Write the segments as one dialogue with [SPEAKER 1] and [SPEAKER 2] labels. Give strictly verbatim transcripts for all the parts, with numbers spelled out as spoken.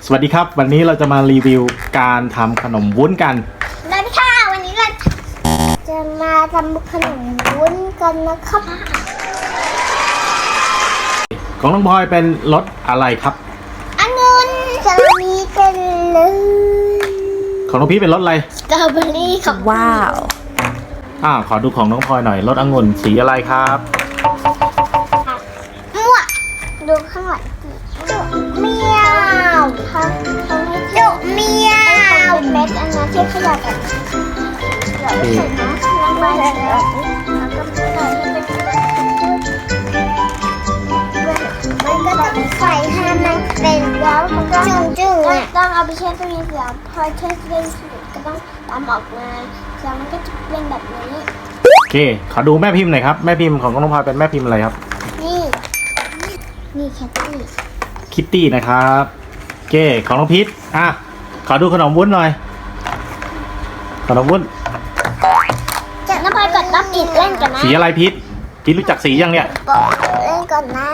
[SPEAKER 1] สวัสดีครับวันนี้เราจะมารีวิวการทำขนมวุ้นกัน
[SPEAKER 2] สวัสดีค่ะวันนี้เราจะมาทำขนมวุ้นกันนะครับ
[SPEAKER 1] ของน้องพลอยเป็นรสอะไรครับ
[SPEAKER 2] องุ่นจะมีกันเลย
[SPEAKER 1] ของน้องพีเป็นรสอะไร
[SPEAKER 2] สตรอเบอรี่ครับ
[SPEAKER 3] ว้าว
[SPEAKER 1] อ่าขอดูของน้องพลอยหน่อยรสองุ่นสีอะไรครับ
[SPEAKER 2] มั่วดูข้างหลังจุเมียวครับจุเมียวเป็นเม็ดอันนั้นที่ขยับแบบเดี๋ยวใส่น้ำลงไปแล้วแล้วก็ใส่ให้เป็นมันก็ต้องใส่ให้มันเป็นแล้วมันก็จุ่มๆอ่ะต้องเอาไปแช่ตู้เย็นเสียพอแช่ตู้เย็นเสร็จก็ต้องตามออกมาแล้วมันก็จะเป็นแบบนี้
[SPEAKER 1] โอเคขอดูแม่พิมพ์หน่อยครับแม่พิมพ์ของน้องพลอยเป็นแม่พิมพ์อะไรครับ
[SPEAKER 2] นี่นี่แคทตี้
[SPEAKER 1] คิตตี้นะครับโอเคของน้องพีทอ่ะขอดูขนมวุ้นหน่อยขนมวุ้น
[SPEAKER 2] จะน้ำพลอยกดรับอีกเล่นกันนะ
[SPEAKER 1] สีอะไรพีทพีทรู้จักสียังเนี่ย
[SPEAKER 2] เล่นก่อนนะ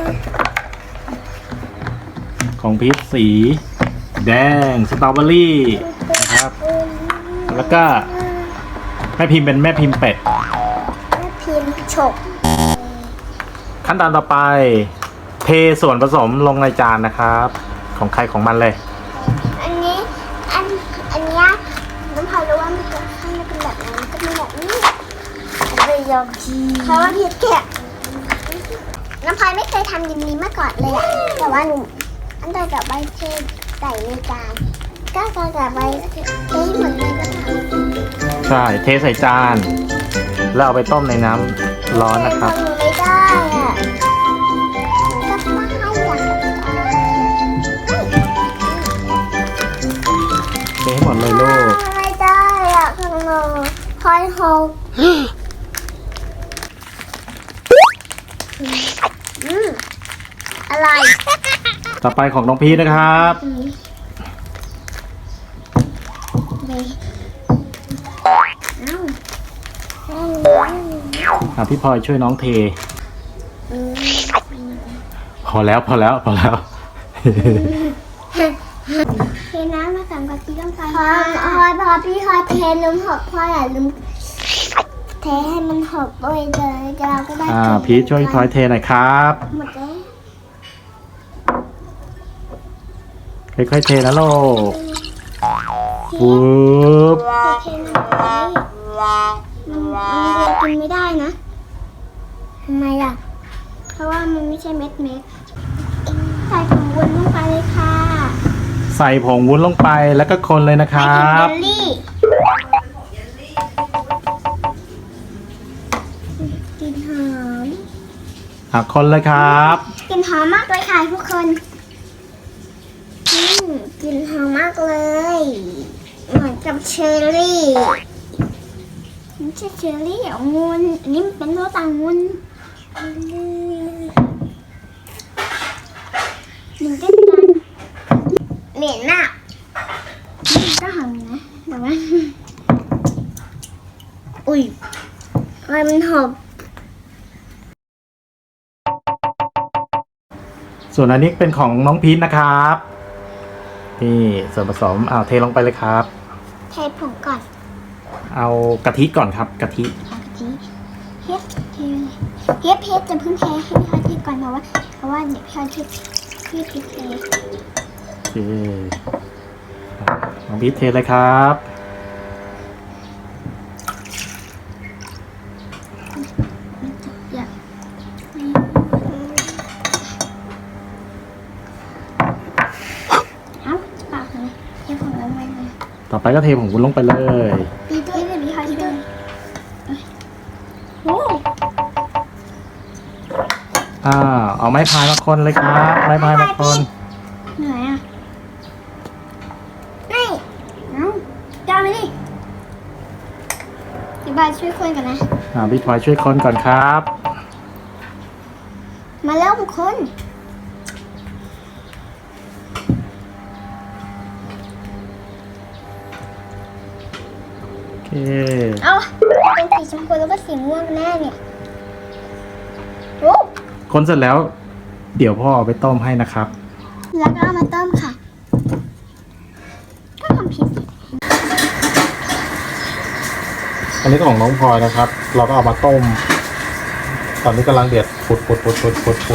[SPEAKER 1] ของพีทสีแดงสตรอเบอรี่นะครับแล้วก็แม่พิมพ์เป็นแม่พิมพ์เป็ด
[SPEAKER 2] แม่พิมพ์ฉก
[SPEAKER 1] ขั้นตอนต่อไปเทส่วนผสมลงในจานนะครับของใครของมันเลย
[SPEAKER 2] อันนี้อันอันนี้น้ำพลอยรู้ว่ามันจะให้มันเป็นแบบนั้นก็เป็นแบบนี้เลยยอมทีเพราะว่าพีทแกะน้ำพลอยไม่เคยทำยิมนี้มาก่อนเลยอะแต่ว่าหนูอันต่อจากใบเทใส่ในจานก็ต่อจากใบเทให้หมดเลยก็ทำ
[SPEAKER 1] ใช่เทใส่จานแล้วเอาไปต้มในน้ำร้อนนะครับ
[SPEAKER 2] ไม่ได้อะก็ไม่ให้อย่าง
[SPEAKER 1] เทให้หมดเลยลูก
[SPEAKER 2] ไม่ได้อะข้างนอกคอยหกอืมอะไร
[SPEAKER 1] ต่อไปของน้องพีทนะครับอ่ะพี่พลอยช่วยน้องเทพอแล้วพอแล้วพอแล้ว
[SPEAKER 2] เทน้ำมาสามกะทิลงไปพอพอพอพี่พอเทน้ำหกพออย่าลืมเทให้มันหกด้วยเลยเราก็ได้
[SPEAKER 1] อ่าพีทช่วยพี่พลอยเทหน่อยครับ
[SPEAKER 2] หมดแล้ว
[SPEAKER 1] ค่อยๆเทนะลูกปุ๊บ
[SPEAKER 2] เทน้ำมันกินไม่ได้นะทำไมล่ะเพราะว่ามันไม่ใช่เม็ดเม็ดใส่ผงวุ้นลงไปเลยค่ะ
[SPEAKER 1] ใส่ผงวุ้นลงไปแล้วก็คนเลยนะครับ
[SPEAKER 2] เยลลี่กลิ่นหอม
[SPEAKER 1] อ่ะคนเลยครับ
[SPEAKER 2] กลิ่นหอมมากเลยค่ะทุกคนอืมกลิ่นหอมมากเลยเหมือนกับเชอร์รี่ไม่ใช่เชอร์รี่องุ่นอันนี้มันเป็นรสองุ่นหนึ่งเต้นกันเหม็นมากก็หอมนะแต่ว่าอุ้ยอะไรมันหอม
[SPEAKER 1] ส่วนอันนี้เป็นของน้องพีทนะครับนี่ส่วนผสมเอาเทลงไปเลยครับ
[SPEAKER 2] เทผงก่อน
[SPEAKER 1] เอากะทิก่อนครับกะทิ
[SPEAKER 2] กะทิเฮ็ดเทเฮ็ดเพชรจะเพิ่งเทให้พี่พลอยเทก่อนเพราะว่าเพราะว่าเดี๋ยวพี่พลอยเทพี่พีทเท
[SPEAKER 1] โอเคน้องพีทเทเลยครับต่อไปก็เทผงวุ้นลงไปเลย
[SPEAKER 2] ปีด้วยเลยพี่พลอยด้วยโอ้
[SPEAKER 1] อ่าเอาไม้พายมาคนเลยครับไม้พายมาคน
[SPEAKER 2] เหนื่อยอ่ะนี่เอาจ้าไปดิพี่บายช่วยคนกันนะ
[SPEAKER 1] อ่าพี่พลอยช่วยคนก่อนครับ
[SPEAKER 2] มาแล้วทุกคนเอาเป็นสีชมพูแล้วก็สีม่วงแน่เนี่ยโอ้
[SPEAKER 1] คนเสร็จแล้วเดี๋ยวพ่อเอาไปต้มให้นะครับ
[SPEAKER 2] แล้วก็เอามาต้มค่ะ
[SPEAKER 1] อันนี้ก็ของน้องพลอยนะครับ เราก็เอามาต้ม ตอนนี้กำลังเดือดปุดปุดปุดปุดปุดปุด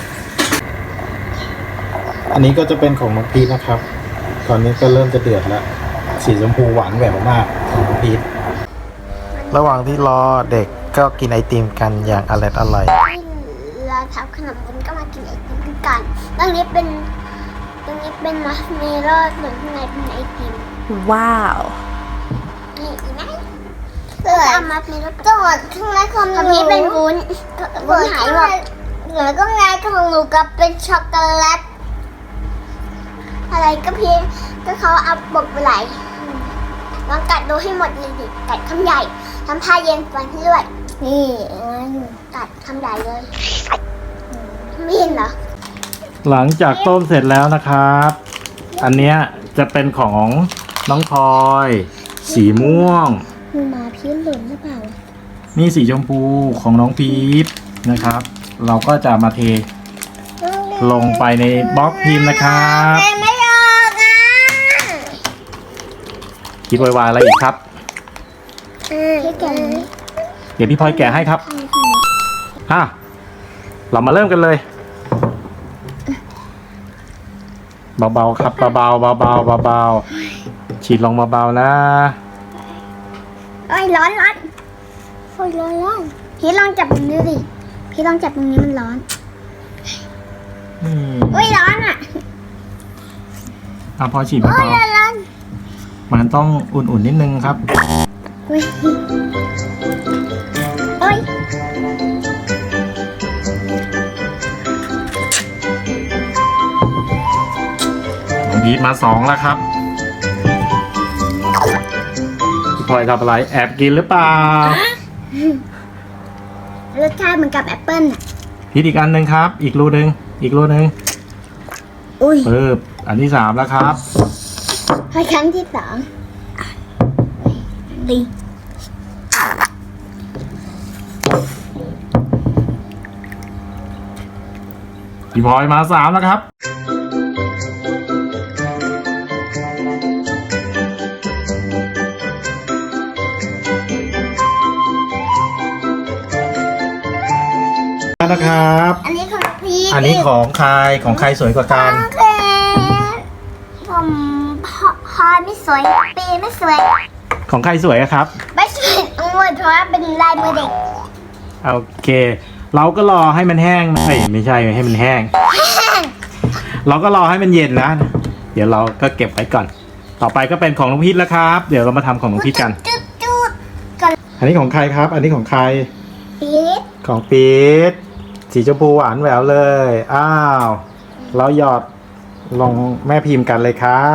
[SPEAKER 1] อันนี้ก็จะเป็นของน้องพีทนะครับ ตอนนี้ก็เริ่มจะเดือดแล้ว สีชมพูหวานแหววมากของน้องพีทระหว่างที่รอเด็กก็กินไอติมกันอย่างอร่อยอร่อย
[SPEAKER 2] เราทำขนมบุญก็มากินไอติมกันตรงนี้เป็นตรงนี้เป็นมัสเมโล่ส่วนข้างในเป็นไอติม
[SPEAKER 3] ว้าว
[SPEAKER 2] นี่อีกไหมเกิดเอามัสเมโล่ก่อนข้างในของหนูนี้เป็นวุ้นวุ้นหายหมดเหลือก็ไงของหนูกับเป็นช็อกโกแลตอะไรก็เพียงก็เขาเอาบกไปไหลลองกัดดูให้หมดเลยดิกัดคำใหญ่ทำท่าเย็นฟันให้ด้วยนี่กัดคำใหญ่เลยไม่เห็นเหรอ
[SPEAKER 1] หลังจากต้มเสร็จแล้วนะครับ อันเนี้ยจะเป็นของน้องพลอย สีม่วง
[SPEAKER 2] มือมาพี่หล่นหรือเปล่า
[SPEAKER 1] นี่สีชมพูของน้องพีทนะครับ เราก็จะมาเทลงไปในบล็อกพิมพ์นะครับ
[SPEAKER 2] ไม่ออกอ่ะ
[SPEAKER 1] คิดไวๆอะไรอีกครับ
[SPEAKER 2] พี่แกะ
[SPEAKER 1] เดี๋ยวพี่พลอยแกะให้ครับอ่ะเรามาเริ่มกันเลย เบาๆครับเบาๆเบาๆเบาๆฉีดลงเบาๆนะ
[SPEAKER 2] โอ้ยร้อนร้อนโอ้ยร้อนร้อนพี่ลองจับตรงนี้ดิพี่ลองจับตรงนี้มันร้อน
[SPEAKER 1] อืม
[SPEAKER 2] โอ้ยร้อนอ่ะ
[SPEAKER 1] อ่ะพอฉีด
[SPEAKER 2] โอ้
[SPEAKER 1] เบาย
[SPEAKER 2] ร้อนร้อน
[SPEAKER 1] ๆมันต้องอุ่นๆนิดนึงครับ
[SPEAKER 2] โอ้ยโอ้ย
[SPEAKER 1] น้องพีทมาสองแล้วครับพี่พลอยทำอะไรแอบกินหรือเปล่าร
[SPEAKER 2] สชาติเหมือนกับแอปเปิ้ลอ่ะ
[SPEAKER 1] พีทอีกอันหนึ่งครับ อีกรูหนึ่งอีกรูหนึ่ง
[SPEAKER 2] อุ้ย
[SPEAKER 1] ปึ๊บอันที่สามแล้วครับ
[SPEAKER 2] พอครั้งที่สองดี
[SPEAKER 1] พี่พลอยมาสามแล้วครับนะครับ
[SPEAKER 2] อันนี้ของพี่
[SPEAKER 1] อันนี้ของใครของใครสวยกว่ากัน
[SPEAKER 2] โอเคผมพอพอไม่สวยปีไม่สวย
[SPEAKER 1] ของใครสวยอะครับ
[SPEAKER 2] ไม่สวยทั้งหมดเพราะว่าเป็นลายมือเด็ก
[SPEAKER 1] โอเค เราก็รอให้มันแห้งเอ้ยไม่ใช่ให้มันแห้ง เราก็รอให้มันเย็นนะ เดี๋ยวเราก็เก็บไว้ก่อน ต่อไปก็เป็นของน้องพีทแล้วครับ เดี๋ยวเรามาทำของน้องพีทกัน
[SPEAKER 2] จุดจุดกัน
[SPEAKER 1] อันนี้ของใครครับ อันนี้ของใคร
[SPEAKER 2] ปีด
[SPEAKER 1] ของพีทสีชมพูหวานแหววเลย อ้าว เราหยอดลงแม่พิมพ์กันเลยครับ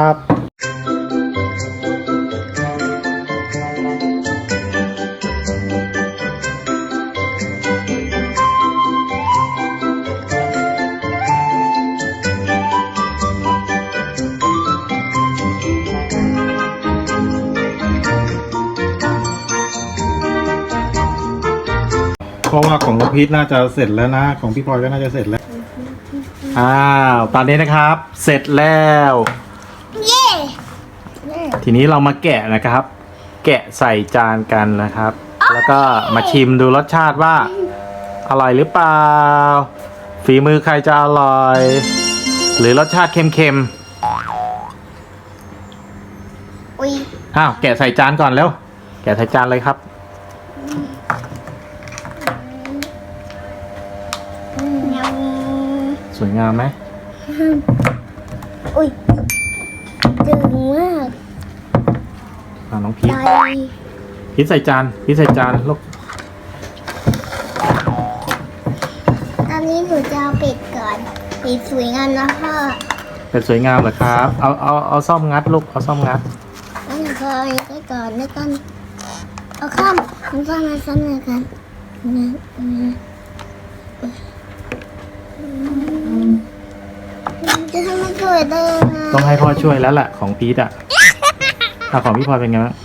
[SPEAKER 1] เพราะว่าของน้องพีทน่าจะเสร็จแล้วนะ ของพี่พลอยก็น่าจะเสร็จแล้ว อ้าว ตอนนี้นะครับ เสร็จแล้ว
[SPEAKER 2] เย่
[SPEAKER 1] ทีนี้เรามาแกะนะครับ แกะใส่จานกันนะครับ แล้วก็มาชิมดูรสชาติว่า อร่อยหรือเปล่า ฝีมือใครจะอร่อย หรือรสชาติเค็ม
[SPEAKER 2] อุ้ย
[SPEAKER 1] ๆ อ้าว แกะใส่จานก่อนเร็ว แกะใส่จานเลยครับ
[SPEAKER 2] เงา
[SPEAKER 1] สวยงามไหม
[SPEAKER 2] อุ้ยดึงมาก
[SPEAKER 1] อ่าน้องพีท
[SPEAKER 2] ใจ
[SPEAKER 1] พีทใส่จาน พีทใส่จานลูก
[SPEAKER 2] ตอนนี้หนูจะเอาปิดก่อนปิดสวยงามนะพ่อ
[SPEAKER 1] เป็นสวยงามเหรอครับ เอา เอา เอาซ่อมงัดลูก เอาซ่อมงัด
[SPEAKER 2] แล้วหนูก็เอาไปก่อนแล้วกันเอาข้ามมันข้ามมาซ้ำเลยกันนะจะทำให้สวยได้ยังไง
[SPEAKER 1] ต้องให้พ่อช่วยแล้วแหละของพีทอ่ะอ่ะของพี่พลอยเป็นไงบ้าง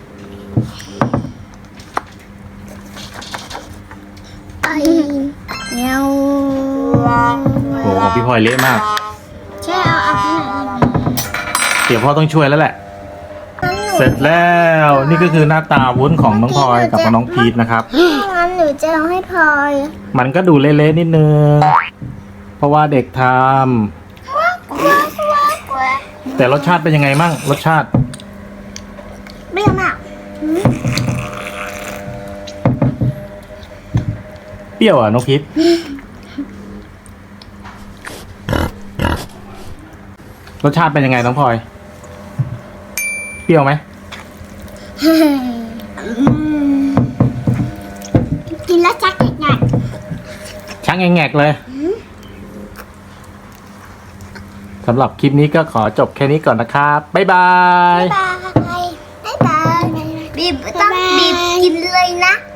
[SPEAKER 2] ไอ้เงา
[SPEAKER 1] โอ้โหของพี่พลอยเละมาก
[SPEAKER 2] ใช่เอาเอาข้างไหน
[SPEAKER 1] เดี๋ยวพ่อต้องช่วยแล้วแหละ
[SPEAKER 2] นั่นไง
[SPEAKER 1] เสร็จแล้วนี่ก็คือหน้าตาวุ้นของน้องพลอยกับน้องพีทนะครับ
[SPEAKER 2] งั้นหนูจะเอาให้พลอย
[SPEAKER 1] มันก็ดูเละๆนิดนึงเพราะว่าเด็กท
[SPEAKER 2] กลัวกลัวกลัว
[SPEAKER 1] ำแต่รสชาติเป็นยังไงมั่งรสชาติ
[SPEAKER 2] เปรี้ยวมาก
[SPEAKER 1] เปรี้ยวอ่ะน้องพีทรสชาติเป็นยังไงน้องพลอยเปรี้ยวไหม
[SPEAKER 2] กินแล้วชักอีกไง
[SPEAKER 1] ช่างแงกๆเลยสำหรับคลิปนี้ก็ขอจบแค่นี้ก่อนนะครับบ๊ายบาย
[SPEAKER 2] บายบายบายบีบต้องบีบกินเลยนะ